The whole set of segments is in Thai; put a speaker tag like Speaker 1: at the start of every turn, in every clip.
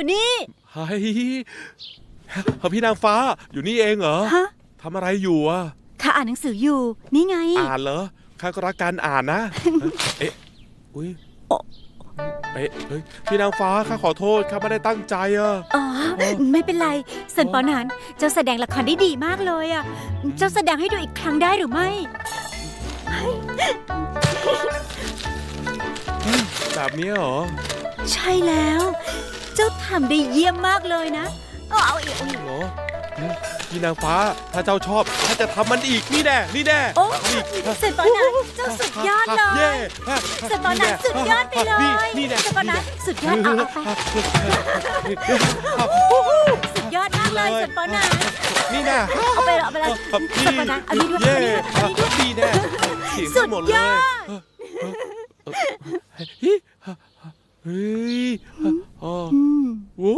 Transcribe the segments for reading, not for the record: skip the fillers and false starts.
Speaker 1: อยู่นี่
Speaker 2: เฮ้ยพี่นางฟ้าอยู่นี่เองเหรอ
Speaker 1: ฮะ
Speaker 2: ทำอะไรอยู่อ่ะ
Speaker 1: ข้าอ่านหนังสืออยู่นี่ไง
Speaker 2: อ่านเหรอข้าก็รักการอ่านนะเอ๊ะอุ้ยเอ๊ะเฮ้ยพี่นางฟ้าข้าขอโทษข้าไม่ได้ตั้งใจอ่ะ
Speaker 1: อ๋อไม่เป็นไรเซินปอนานเจ้าแสดงละครได้ดีมากเลยอ่ะเจ้าแสดงให้ดูอีกครั้งได้หรือไม่
Speaker 2: แบบนี้เหรอ
Speaker 1: ใช่แล้วเจ้าทำได้เยี่ยมมากเลยนะเอาอีก
Speaker 2: เหรอพี่นางฟ้าถ้าเจ้าชอบถ้าจะทำมันอีกนี่แน่
Speaker 1: โอ้เซินปอนานเจ้าสุดยอดเลยเซินปอนานสุดยอดไปเลยเซินปอนานสุดยอดเอาไปสุดยอดมากเลยเซินปอนาน
Speaker 2: นี่แน่
Speaker 1: เอาไปเลยเซินปอนานอันนี้ด้วย
Speaker 2: ดีแน่
Speaker 1: สุดยอด
Speaker 2: เฮ้ยโอ้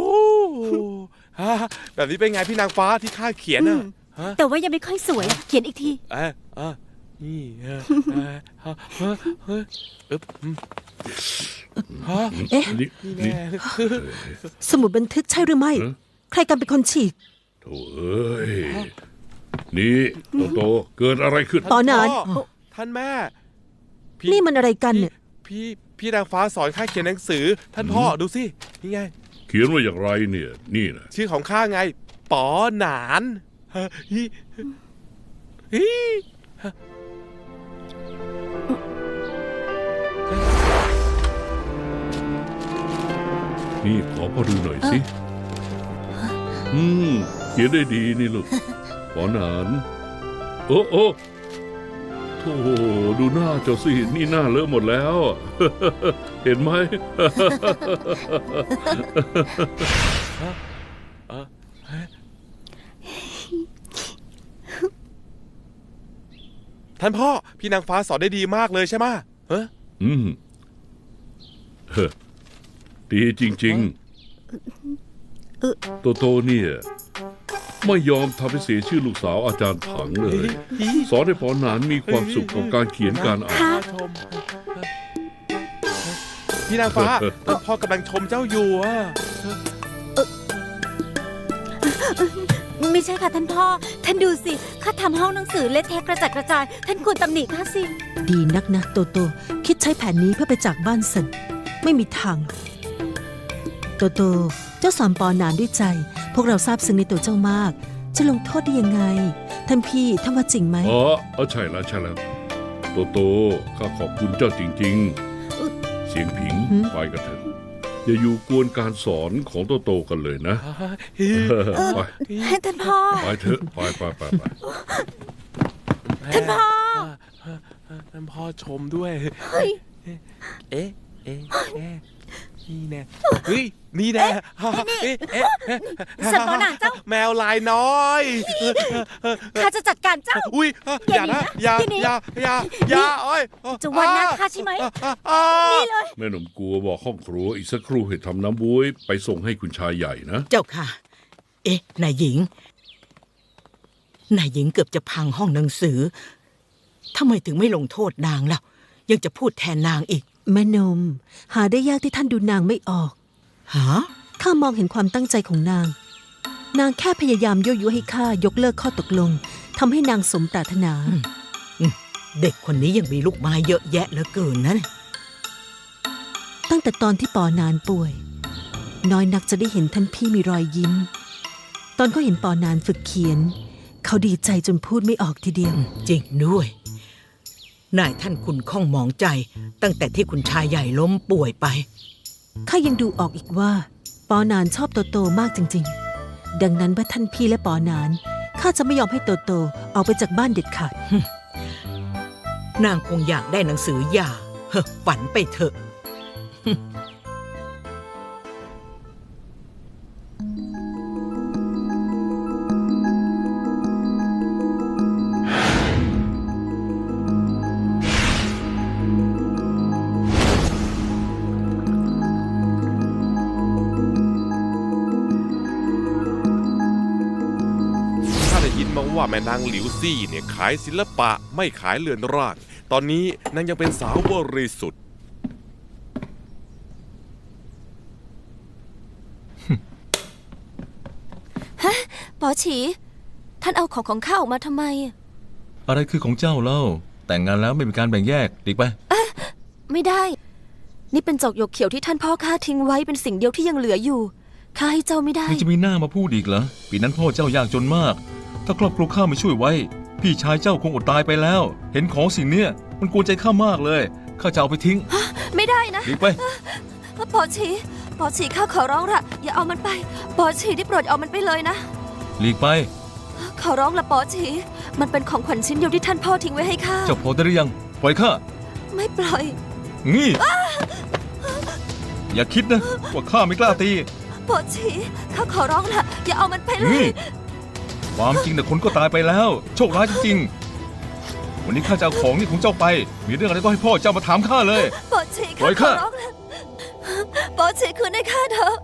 Speaker 2: แบบนี้เป็นไงพี่นางฟ้าที่ข้าเขียนอ่ะ
Speaker 1: แต่ว่ายังไม่ค่อยสวยเขียนอีกที
Speaker 2: นี่
Speaker 3: สมุดบันทึกใช่หรือไม่ใครกันเป็นคนฉีก
Speaker 4: โถ่เอ้ยนี่โตเกิดอะไรขึ้น
Speaker 3: ตอนนั้น
Speaker 2: ท่านแม่
Speaker 3: นี่มันอะไรกันเนี่ย
Speaker 2: พี่นางฟ้าสอนข้าเขียนหนังสือท่านพ่อดูสินี่ไง
Speaker 4: เขียนว่าอย่างไรเนี่ยนี่นะ
Speaker 2: ชื่อของข้าไงป๋อหนาน
Speaker 4: นี่ขอพ่อดูหน่อยสิเขียนได้ดีนี่ลูกป๋อหนานโอ้โธ่ดูหน้าเจ้าสินี่หน้าเลอะหมดแล้วเห็นไหม
Speaker 2: ท่านพ่อพี่นางฟ้าสอนได้ดีมากเลยใช่ไหม
Speaker 4: ดีจริงๆโตเนี่ยไม่ยอมทำให้เสียชื่อลูกสาวอาจารย์ถังเลยสอนให้ป๋อหนานมีความสุขกับการเขียนการอ่าน
Speaker 2: พี่นางฟ้าพ่อกำลังชมเจ้าอยู่
Speaker 1: ไม่ใช่ค่ะท่านพ่อท่านดูสิข้าทำห้องหนังสือเละเทะกระจัดกระจายท่านควรตำหนิข้าสิ
Speaker 3: ดีนักนะโตคิดใช้แผนนี้เพื่อไปจากบ้านเซินไม่มีทางโตเจ้าสอนปอนานด้วยใจพวกเราซาบซึ้งในตัวเจ้ามากจะลงโทษได้ยังไงท่านพี่ท่านว่าจริงไหม
Speaker 4: ใช่แล้วโตข้าขอบคุณเจ้าจริงๆเสียงผิงไปกันเถอะอย่าอยู่กวนการสอนของโตกันเลยนะ
Speaker 1: ไปท่านพ่อ
Speaker 4: ไปเถอะไป
Speaker 1: ท่าน
Speaker 2: พ่อชมด้วยเอ๊ะนี่แน่นี่แน่
Speaker 1: สัตว์ตัวหนาเจ้า
Speaker 2: แมวลายน้อย
Speaker 1: ข้าจะจัดการเจ้า
Speaker 2: อุ้ยอย่านะอย่าโอ้ย
Speaker 1: จะวันหน้าข้าใช่ไหมนี่เลย
Speaker 4: แม่หนุ่มกลัวบอกห้องครัวอีกสักครู่ให้ทำน้ำบุ้ยไปส่งให้คุณชายใหญ่นะ
Speaker 5: เจ้าค่ะนายหญิงเกือบจะพังห้องหนังสือทำไมถึงไม่ลงโทษนางล่ะยังจะพูดแทนนางอีก
Speaker 3: แม่นมหาได้ยากที่ท่านดูนางไม่ออกข้ามองเห็นความตั้งใจของนางแค่พยายามยั่วยุให้ข้ายกเลิกข้อตกลงทำให้นางสมปรารถนา
Speaker 5: เด็กคนนี้ยังมีลูกไม้เยอะแยะเหลือเกินนะ
Speaker 3: ตั้งแต่ตอนที่ปอนานป่วยน้อยนักจะได้เห็นท่านพี่มีรอยยิ้มตอนเขาเห็นปอนานฝึกเขียนเขาดีใจจนพูดไม่ออกทีเดียว
Speaker 5: จริงด้วยนายท่านคุณข้องมองใจตั้งแต่ที่คุณชายใหญ่ล้มป่วยไป
Speaker 3: ข้ายังดูออกอีกว่าปอนานชอบโตมากจริงๆดังนั้นเมื่อท่านพี่และปอนานข้าจะไม่ยอมให้โตออกไปจากบ้านเด็ดขาด
Speaker 5: นางคงอยากได้หนังสือหย่าฝันไปเถอะ
Speaker 2: ว่าแม่นางหลิวซี่เนี่ยขายศิลปะไม่ขายเรือนร่างตอนนี้นางยังเป็นสาวบริสุทธิ์
Speaker 1: ปอฉีท่านเอาของข้าออกมาทำไม
Speaker 6: อะไรคือของเจ้าเล่า แต่งงานแล้วไม่มีการแบ่งแยกหลีกไป
Speaker 1: ไม่ได้ นี่เป็นจอกหยกเขียวที่ท่านพ่อข้าทิ้งไว้เป็นสิ่งเดียวที่ยังเหลืออยู่ข้าให้เจ้าไม่ได้
Speaker 6: ยังจะมีหน้ามาพูดอีกเหรอ ปีนั้นพ่อเจ้ายากจนมาก ถ้าครอบครัวข้าไม่ช่วยไว้ พี่ชายเจ้าคงอดตายไปแล้ว เห็นของสิ่งเนี้ยมันกวนใจข้ามากเลยข้าจะเอาไปทิ้ง
Speaker 1: ไม่ได้นะ
Speaker 6: หลีกไป
Speaker 1: ปอฉีข้าขอร้องละอย่าเอามันไปปอฉีได้โปรดเอามันไปเลยนะ
Speaker 6: หลีกไป
Speaker 1: ขอร้องละปอฉีมันเป็นของขวัญชิ้นเดียวที่ท่านพ่อทิ้งไว้ให้ข้า
Speaker 6: เจ้าพอได้หรือยังปล่อยข้า
Speaker 1: ไม่ปล่อย
Speaker 6: งี้ อย่าคิดนะว่าข้าไม่กล้าตี
Speaker 1: ปอฉีข้าขอร้องละอย่าเอามันไปเล
Speaker 6: งี้
Speaker 1: ย
Speaker 6: ความจริงแต่คนก็ตายไปแล้ว โชคร้ายจริงๆวันนี้ข้าจะเอาของนี่ของเจ้าไป มีเรื่องอะไรก็ให้พ่อเจ้ามาถามข้าเลย
Speaker 1: ปอฉี
Speaker 6: ปล่
Speaker 1: ข้า
Speaker 6: อยข้า
Speaker 1: ขอร้องละปอฉีคืนให้ข้าเถอะ